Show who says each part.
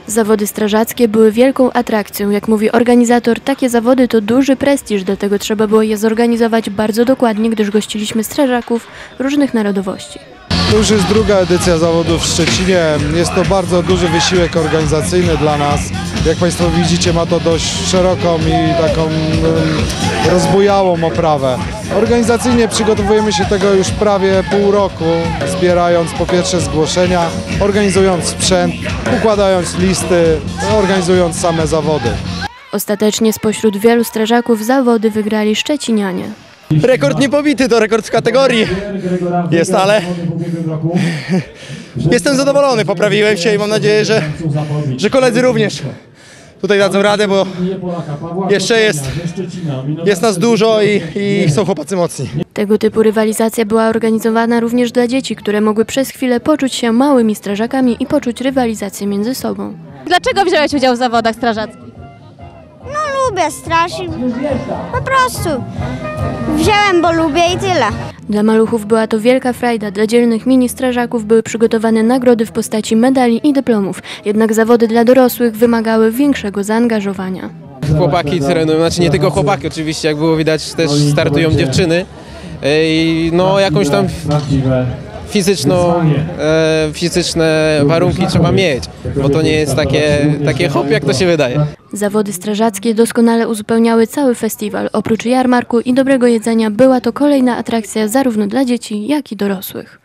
Speaker 1: Zawody strażackie były wielką atrakcją. Jak mówi organizator, takie zawody to duży prestiż, dlatego trzeba było je zorganizować bardzo dokładnie, gdyż gościliśmy strażaków różnych narodowości.
Speaker 2: To już jest druga edycja zawodów w Szczecinie. Jest to bardzo duży wysiłek organizacyjny dla nas. Jak Państwo widzicie, ma to dość szeroką i taką rozbujałą oprawę. Organizacyjnie przygotowujemy się tego już prawie pół roku, zbierając po pierwsze zgłoszenia, organizując sprzęt, układając listy, organizując same zawody.
Speaker 1: Ostatecznie spośród wielu strażaków zawody wygrali szczecinianie.
Speaker 3: Rekord niepobity, to rekord w kategorii jest, ale jestem zadowolony, poprawiłem się i mam nadzieję, że koledzy również tutaj dadzą radę, bo jeszcze jest nas dużo i są chłopacy mocni.
Speaker 1: Tego typu rywalizacja była organizowana również dla dzieci, które mogły przez chwilę poczuć się małymi strażakami i poczuć rywalizację między sobą.
Speaker 4: Dlaczego wziąłeś udział w zawodach strażackich?
Speaker 5: No lubię straż i po prostu wziąłem, bo lubię i tyle.
Speaker 1: Dla maluchów była to wielka frajda, dla dzielnych mini strażaków były przygotowane nagrody w postaci medali i dyplomów, jednak zawody dla dorosłych wymagały większego zaangażowania.
Speaker 6: Chłopaki trenują, znaczy nie tylko chłopaki oczywiście, jak było widać też startują dziewczyny i no jakąś tam fizyczne warunki trzeba mieć, bo to nie jest takie hop, jak to się wydaje.
Speaker 1: Zawody strażackie doskonale uzupełniały cały festiwal. Oprócz jarmarku i dobrego jedzenia była to kolejna atrakcja zarówno dla dzieci, jak i dorosłych.